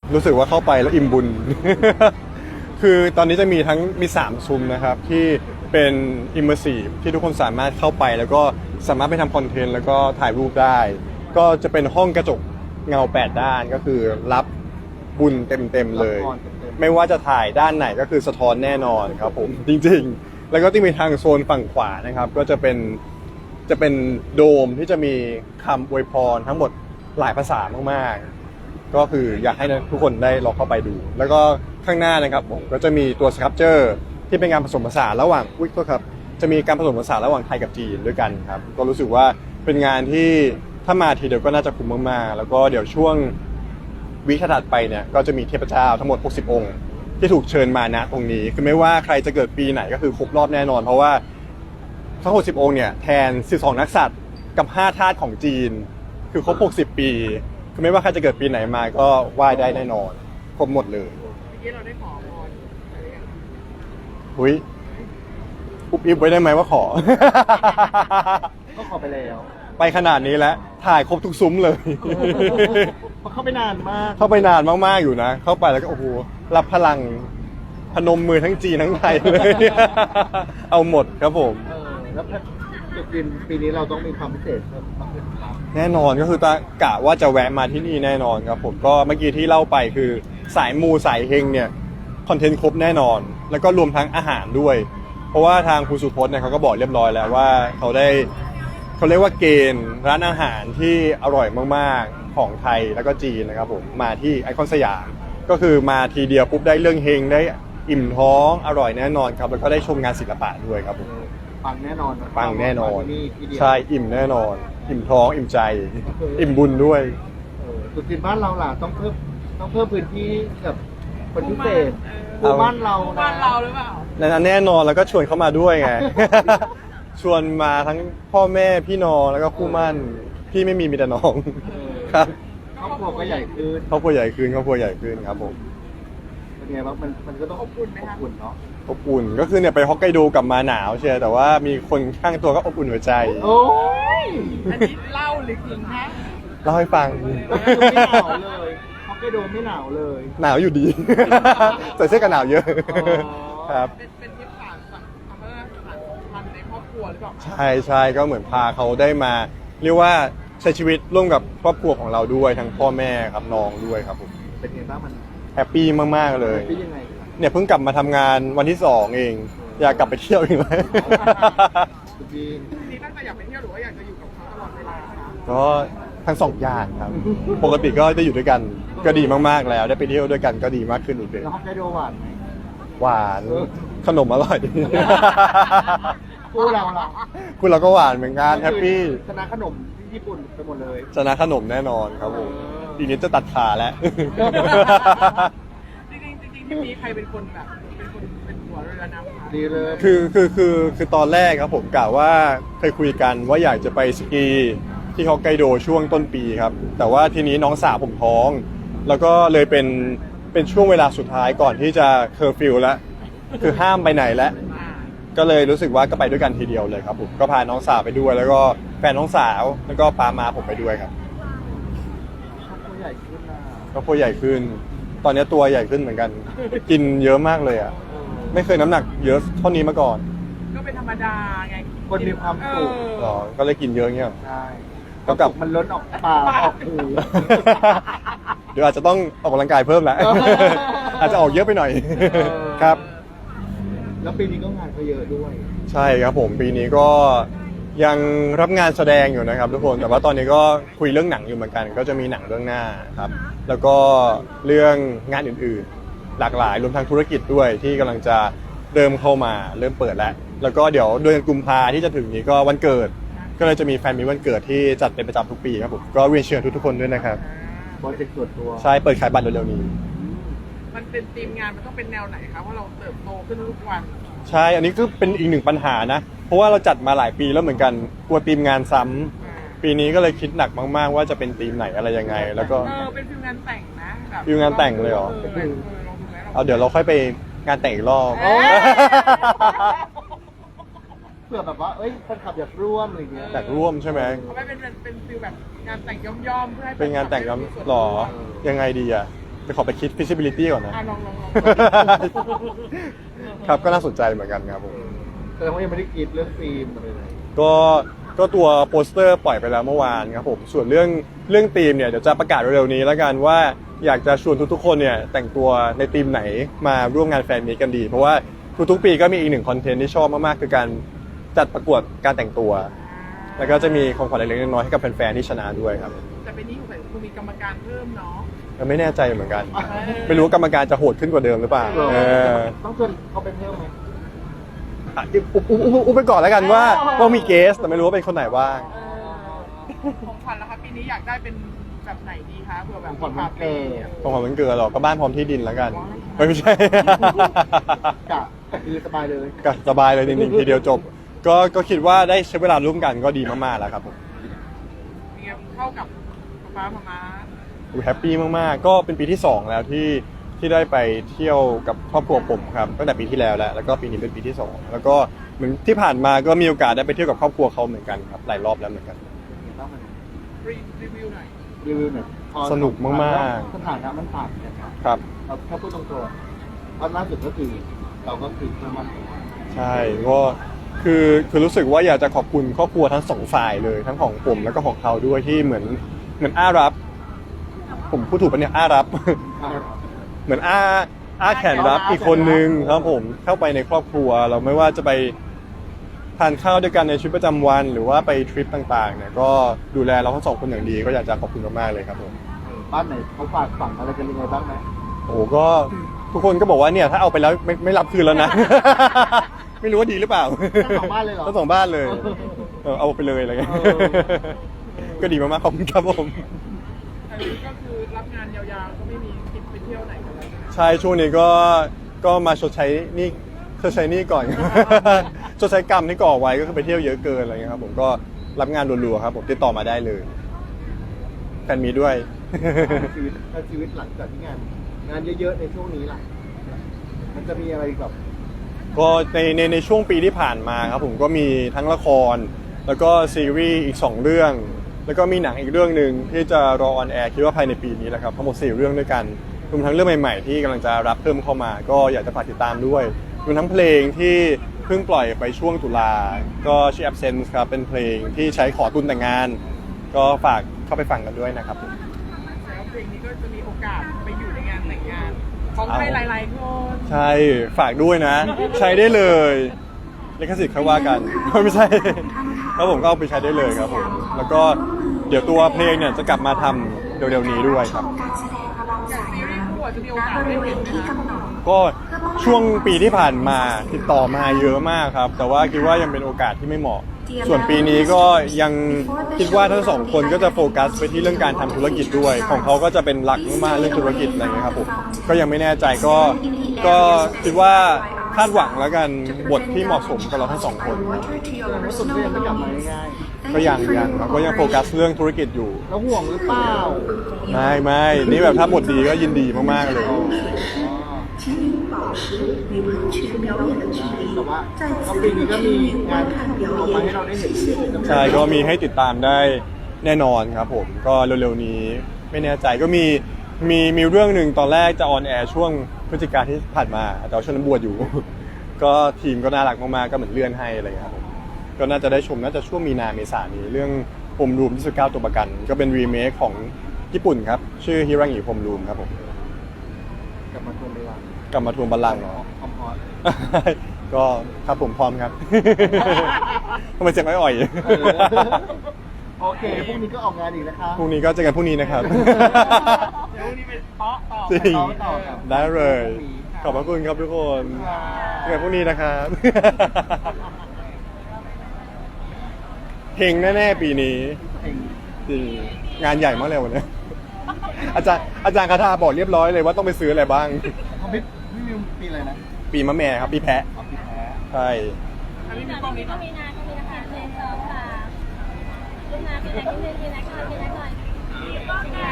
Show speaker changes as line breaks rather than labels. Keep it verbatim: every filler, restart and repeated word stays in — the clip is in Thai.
รู้สึกว่าเข้าไปแล้วอิ่มบุญ คือตอนนี้จะมีทั้งมีสามซุ้มนะครับที่เป็น immersive ที่ทุกคนสามารถเข้าไปแล้วก็สามารถไปทำคอนเทนต์แล้วก็ถ่ายรูปได้ ก็จะเป็นห้องกระจกเงาแปดด้านก็คือรับบุญเต็มๆเลย ไม่ว่าจะถ่ายด้านไหนก็คือสะท้อนแน่นอนครับผม จริงๆ แล้วก็ที่มีทางโซนฝั่งขวานะครับก็จะเป็นจะเป็นโดมที่จะมีคำอวยพรทั้งหมดหลายภาษามากๆก็คืออยากให้ทุกคนได้ลองเข้าไปดู แล้วก็ข้างหน้านะครับผมก็จะมีตัวสครับเจอร์ที่เป็นการผสมผสานระหว่างอุ้ยก็ครับจะมีการผสมผสานระหว่างไทยกับจีนด้วยกันครับก็รู้สึกว่าเป็นงานที่ถ้ามาทีเดียวก็น่าจะคุ้มมากๆแล้วก็เดี๋ยวช่วงวิคถัดไปเนี่ยก็จะมีเทพเจ้าทั้งหมดหกสิบองค์ที่ถูกเชิญมาณตรงนี้คือไม่ว่าใครจะเกิดปีไหนก็คือครบรอบแน่นอนเพราะว่าทั้งหกสิบองค์เนี่ยแทนสิบสองนักษัตริย์กับห้าธาตุของจีนคือครบหกสิบปีคือไม่ว่าใครจะเกิดปีไหนมาก็ไหว้ได้แน่นอนครบหมดเลย
เมื่อกี้เราได้ขอพรอะไรอย่างเงี้ย
หุยอุบอิบไว้ได้ไหมว่าขอ
ก็ขอไปแล้ว
ไปขนาดนี้แล้วถ่ายครบทุกซุ้มเลย
เพราะเข้าไปนานมาก
เข้าไปนานมากๆอยู่นะเข้าไปแล้วก็โอ้โหรับพลังพนมมือทั้งจีนทั้งไทยเลย เอาหมดครับผม
เออแล้วจุดยืนปีนี้เราต้องมีความพิเศษเพิ่มมากขึ้นครับ
แน่นอนก็คือตากะว่าจะแวะมาที่นี่แน่นอนครับผมก็เมื่อกี้ที่เล่าไปคือสายมูสายเฮงเนี่ยคอนเทนต์ครบแน่นอน แล้วก็รวมทั้งอาหารด้วย เพราะว่าทางคุณสุพจน์เนี่ยเขาก็บอกเรียบร้อยแล้วว่าเขาได้เขาเรียกว่าเกณฑ์ร้านอาหารที่อร่อยมากๆของไทยแล้วก็จีนนะครับผมมาที่ไอคอนสยามก็คือมาทีเดียวปุ๊บได้เรื่องเฮงได้อิ่มท้องอร่อยแน่นอนครับแล้วก็ได้ชมงานศิลปะด้วยครับผม
ปังแน่นอนนะ
ปังแน่นอน
มาที่นี่ทีเดียว
ใช่อิ่มแน่นอน อิ่มท้องอิ่มใจ อิ่มบุญด้วย
เออจุดยืนบ้านเราล่ะต้องเพิ่มต้องเพิ่มพื้นที่กับคนพิเศษ
เออ
คู่บ้านเรา
บ้า
นะ
นเราหรือเปล่า
นั้นแน่นอนแล้วก็ชวนเขามาด้วยไง ชวนมาทั้งพ่อแม่พี่น้องแล้วก็คู่หมั่นพี่ไม่มีมีแต่น้อง
เออ
ครับ
ครอบครัวก็ใหญ่ขึ้น
ครอบครัวใหญ่ขึ้นครอบครัวใหญ่ขึ้นครับผม
เป็นไงบ้างมันมันก็ต้องอบอุ่นอบอุ่นเนาะ
อบอุ่นก็คือเนี่ยไปฮอกไกโดกลับมาหนาวเชียร์แต่ว่ามีคนข้างตัวก็อบอุ่นหัวใจ
โอ้ย
อันนี้เล่าหรือจริงฮะ
เล่าให้ฟัง
ไม่หนาวเลยฮอกไกโดไม่หนาวเลย
หนาวอยู่ดี ใส่เสื้อกันหนาวเยอะ
อ๋อ
ครับ
เป็นเป็นทริปผ่านสังทำให้ผ่านสัมพันธ์ในครอบครัวหรือเปล่า
ใช่ใช่ก็เหมือนพาเขาได้มา เรียกว่าใช้ชีวิตร่วมกับครอบครัวของเราด้วยทั้งพ่อแม่ครับน้องด้วยครับผม
เป็นไงบ้างมัน
แฮปปี้มากๆเลย
เป็นยังไงครับ
เนี่ยเพิ่งกลับมาทำงานวันที่สองเอง อยากกลับไปเที่ยวอีกไหม
คุณจีน
นี่ตั้งใจอยากไปเที่ยวหรือว่าอยากจะอยู่กับเขาตลอดเวลาคะ
ก็ทั้งสองอย่างครับ ปกติก็ได้อยู่ด้วยกันก็ดีมากๆแล้ว ได้ไปเที่ยวด้วยกันก็ดีมากขึ้นอีกเลย
แล้วฮอกไกโดหวานไหม
หวานขนมอร่อย
คู่เราล่ะ
คุณเราก็หวานเหมือนกันแฮปปี้
ชนะขนมที่ญี่ปุ่นไปหมดเลย
ชนะขนมแน่นอนครับผมทีนี้จะตัดขาแล้ว
จริงๆจริงๆที่มีใครเป็นคนแบบเป็นคนเป็นหัวเรือนำคะ
ดีเลย
คือคือคือคือตอนแรกครับผมกะว่าเคยคุยกันว่าอยากจะไปสกีที่ฮอกไกโดช่วงต้นปีครับ แต่ว่าทีนี้น้องสาวผมท้อง แล้วก็เลยเป็นเป็นช่วงเวลาสุดท้ายก่อนที่จะเคอร์ฟิวแล้วคือห้ามไปไหนแล้ว
อ่า
ก็เลยรู้สึกว่าก็ไปด้วยกันทีเดียวเลยครับผมก็พาน้องสาวไปด้วย แล้วก็แฟนน้องสาวแล้วก็ปามาผมไปด้วยครับ
ครอบครัวใหญ่ขึ้นนะ
ก็ตัวใหญ่ขึ้น ตอนนี้ตัวใหญ่ขึ้นเหมือนกัน กินเยอะมากเลยอ่ะ
เออ
ไม่เคยน้ำหนักเยอะเท่านี้มาก่อน
ก็เป็นธรรมดาไง
คนมีความสุข
เออ
หรอก็เลยกินเยอะเงี้ยหรอ
ใช่
ก็กลับ
มันล้นออกปากออกหู
เดี๋ยวอาจจะต้องออกกำลังกายเพิ่มแหละ
เออ
อาจจะออกเยอะไปหน่อย
อ
ครับ
แล้วปีนี้ก็งานเขาเยอะด้วย
ใช่ครับผมปีนี้ก็ยังรับงานแสดงอยู่นะครับทุกคนแต่ว่าตอนนี้ก็คุยเรื่องหนังอยู่เหมือนกัน ก็จะมีหนังเรื่องหน้าครับ แล้วก็เรื่องงานอื่นๆ หลากหลายรวมทั้งธุรกิจด้วยที่กำลังจะเริ่มเข้ามาเริ่มเปิดแล้ว แล้วก็เดี๋ยวเดือนกุมภาที่จะถึงนี้ก็วันเกิด ก็เลยจะมีแฟนมีวันเกิดที่จัดเป็นประจำทุกปีครับผมก็เรียนเชิญทุกๆคนด้วยนะครับ
โปรเจกต์ส่วนตัว
ใช่เปิดขายบัตรเร็วๆนี้
มันเป็นธีมงานมันต้องเป็นแนวไหนครับว่าเราเติบโตขึ้นทุกวัน
ใช่อันนี้ก็เป็นอีกหนึ่งปัญหานะ เพราะว่าเราจัดมาหลายปีแล้วเหมือนกันกลัวทีมงานซ้ำปีนี้ก็เลยคิดหนักมากๆ ว่าจะเป็นทีมไหนอะไรยังไง แล้วก็
เออเป็นฟิลงานแต่งนะแบบ
ฟิลงานแต่งเลยเหรอ
ออเออลองดูไหม
เอาเดี๋ยวเราค่อยไปงานแต่งอีกรอบ
เอ้ย
เผื่อแบบว่า เอ้ยแฟนคลับอยากร่วมอะไรอย่างเงี้ย
แต่ร่วมใช่ไหม
เอาไว้เป็นเป็นเป็นฟิลแบบงานแต่งย่อมๆเพื่อให้
เป็นงานแต่งกัน
มีส่วน
หรอ
ร่วม
ยังไงดีอ่ะจะขอไปคิด feasibility ก่อนนะ
อ่ะลองลองลอง
ครับก็น่าสนใจเหมือนกันครับผม
แสดงว่ายังไม่ได้คิดเรื่องฟิล์มอะไรเลย
ก็ก็ตัวโปสเตอร์ปล่อยไปแล้วเมื่อวานครับผมส่วนเรื่องเรื่องธีมเนี่ยเดี๋ยวจะประกาศเร็วๆนี้แล้วกันว่าอยากจะชวนทุกๆคนเนี่ยแต่งตัวในธีมไหนมาร่วมงานแฟนมีตกันดี เพราะว่าทุกๆปีก็มีอีกหนึ่งคอนเทนต์ที่ชอบมากๆคือการจัดประกวดการแต่งตัว แล้วก็จะมีของขวัญเล็กๆน้อยๆให้กับแฟนๆที่ชนะด้วยครับ
แต่เป็นนี้ของใส่คุณมีกรรมการเพิ่มเนาะ
ก็ไม่แน่ใจเหมือนกัน ไม่รู้ว่ากรรมการจะโหดขึ้นกว่าเดิมหรือเปล่าเออ
ต้องชวนเขาไปเพิ่มไหม
อ่ะอุบอุบอุบอุบไปก่อนแล้วกันว่าว่ามีเกสแต่ไม่รู้ว่าเป็นคนไหนบ้าง
เออของขวัญแล้วครับปีนี้อยากได้เป็นแบบไหนดีคะเผื่อแบบ
ของขวัญวันเกิด
ของขวัญวันเกิดหรอก็บ้านพร้อมที่ดินแล้วกันไม่ไม่ใช่
กะคือสบายเลย
ก็สบายเลยจริงๆทีเดียวจบ ก็ก็คิดว่าได้ใช้เวลาร่วมกันก็ดีมากๆแล้วครับผม
เป็นไงเข้ากับฟ้าพม่า
แฮปปี้มากๆก็เป็นปีที่สองแล้วที่ที่ได้ไปเที่ยวกับครอบครัวผมครับตั้งแต่ปีที่แล้วแล้วแล้วก็ปีนี้เป็นปีที่สองแล้วก็เหมือนที่ผ่านมาก็มีโอกาสได้ไปเที่ยวกับครอบครัวเขาเหมือนกันครับหลายรอบแล้วเหมือนกัน
รีรีวิวหน่อย
รีวิวหน่อยพอ
สนุกมากๆ
สถานะมันต่างกันครับ
ครับ
เราถ้าพูดตรงๆเพราะล่าสุดก็คือเราก็คือเพิ่มมัน
ใช่ก็คือคือรู้สึกว่าอยากจะขอบคุณครอบครัวทั้งสองฝ่ายเลยทั้งของผมแล้วก็ของเขาด้วยที่เหมือนเหมือนอ้ารับ ผมพูดถูกปะเนี่ยอ้ารับ เหมือนอ้าอ้าแขนรับอีกคนนึงครับผมเข้าไปในครอบครัวเราไม่ว่าจะไปทานข้าวด้วยกันในชีวิตประจำวัน หรือว่าไปทริปต่างๆเนี่ยก็ดูแลเราทั้งสองคนอย่างดีก็อยากจะขอบคุณมากๆเลยครับผม
บ้านไหนเขาฝากฝังอะไรกันยังไงบ้างไหม
โอ้โหก็ทุกคนก็บอกว่าเนี่ยถ้าเอาไปแล้วไม่ไม่รับคืนแล้วนะ ไม่รู้ว่าดีหรือเปล่า
ทั้งสองบ้านเลยเหรอ
ทั้งสองบ้านเลยเออเอาไปเลยอะไรเงี้ย
เออ
ก็ดีมากๆขอบคุณครับผม
อันนี้ก็คือรับงานยาวๆก็ไม่มีคิดไปเที่ยวไหนกันแล้วนะ
ใช่ช่วงนี้ก็ก็มาชดใช้หนี่ชดใช้หนี่ก่อน ชดใช้กรรมที่ก่อไว้ก็คือไปเที่ยวเยอะเกินอะไรเงี้ยครับผมก็รับงานรัวๆครับผมติดต่อมาได้เลยแฟนมีด้วย
ชีวิตถ้าชีวิตหลังจากที่งาน งานเยอะๆในช่วงนี้ล่ะ มันจะมีอะไรแบบ
ก็ในในในช่วงปีที่ผ่านมาครับผมก็มีทั้งละคร แล้วก็ซีรีส์อีกสองเรื่อง แล้วก็มีหนังอีกเรื่องหนึ่งที่จะรอออนแอร์คิดว่าภายในปีนี้แหละครับทั้งหมดสี่เรื่องด้วยกันรวมทั้งเรื่องใหม่ๆที่กำลังจะรับเพิ่มเข้ามา ก็อยากจะฝากติดตามด้วยรวมทั้งเพลงที่เพิ่งปล่อยไปช่วงตุลาก็ชื่อ Absence ครับเป็นเพลงที่ใช้ขอทุนแต่งงาน ก็ฝากเข้าไปฟังกันด้วยนะครับผม
แล้วเพลงนี้ก็จะมีโอกาสไปอยู่ในงานแต่งงานของใครหลายๆคน
ใช่ฝากด้วยนะ ใช้ได้เลยลิขสิทธิ์เขาว่ากัน ไม่ใช่แล้วผมก็เอาไปใช้ได้เลยครับผมแล้วก็เดี๋ยวตัวเพลงเนี่ยจะกลับมาทำเร็วๆนี้ด้วยครับ
อย่างซีรีส์คู่อาจจะมีโอกาสได้เห็นไหมคะ
ก็ช่วงปีที่ผ่านมาติดต่อมาเยอะมากครับ แต่ว่าคิดว่ายังเป็นโอกาสที่ไม่เหมาะ ส่วนปีนี้ก็ยังคิดว่าทั้งสองคนก็จะโฟกัสไปที่เรื่องการทำธุรกิจด้วย ของเขาก็จะเป็นหลักมากๆเรื่องธุรกิจอะไรเงี้ยครับผมก็ยังไม่แน่ใจก็ก็คิดว่าคาดหวังแล้วกันบทที่เหมาะสมกับเราทั้งสองคน
รู้สึกว่ายังไม่กลับมาง่าย
ก็ยังยังครับก็ยังโฟกัสเรื่องธุรกิจอยู่
ๆแล้วห่วงหรือเปล่า
ไม่ไม่นี่แบบถ้าบทดีก็ยินดีมากๆเลย
请您保持与人群表演的距离
แต่ว่า
再
ก็
次
ปีนี้ก็มี
与
งาน
观看
ออก
表
มาให้เรา
演
ได้เห็น
谢谢
ใช่ก็มีให้ติดตามได้แน่นอนครับผมก็เร็วๆนี้ไม่แน่ใจก็มีมีมีเรื่องหนึ่งตอนแรกจะออนแอร์ช่วงพฤศจิกาที่ผ่านมาแต่ว่าช่วงนั้นบวชอยู่ ก็ทีมก็น่ารักมากๆก็เหมือนเลื่อนให้อะไรอย่างเงี้ยครับผมก็น่าจะได้ชมน่าจะช่วงมีนาเมษายนนี้เรื่องพรมรูมที่สิบเก้าตัวประกัน ก็เป็นรีเมคของญี่ปุ่นครับชื่อฮิรังิพรมรูมครับผม
กลับมาทวงเวลาก
ลับมาทวงบัลลังก์เนาะ
พร้อม
ก็ครับผมพร้อมครับ ทำไมเสียงอ่อย
ๆเออโอเคพรุ่งนี้ก็ออกงานอีกนะคะ
ๆพรุ่งนี้ก็เจอกันพรุ่งนี้นะครับ
เดี๋ยววันนี้ไปเตาะต่อ
จริง
ไปต่อครับ
ได้เลย ขอบพระคุณครับทุกคนเจอกันพรุ่งนี้นะครับ เพลงแน่ๆปีนี้
เพลง
จริงงานใหญ่มากเลยวันนี้ อาจารย์อาจารย์คาถาบอกเรียบร้อยเลยว่าต้องไปซื้ออะไรบ้าง
เขาไม่ไม่มีปีอะไรนะ
ปีมะแม่ครับปีแพะ
เอาปีแพ้
ใช่
อันนี้มีกล้องนี้
ก็
ก่อน
มีนาก็มีนะคะหนึ่งสองสามลูกนาพี่ไหนพี่หนึ่งพี่ไหนก่อนพี่ไหนก่อน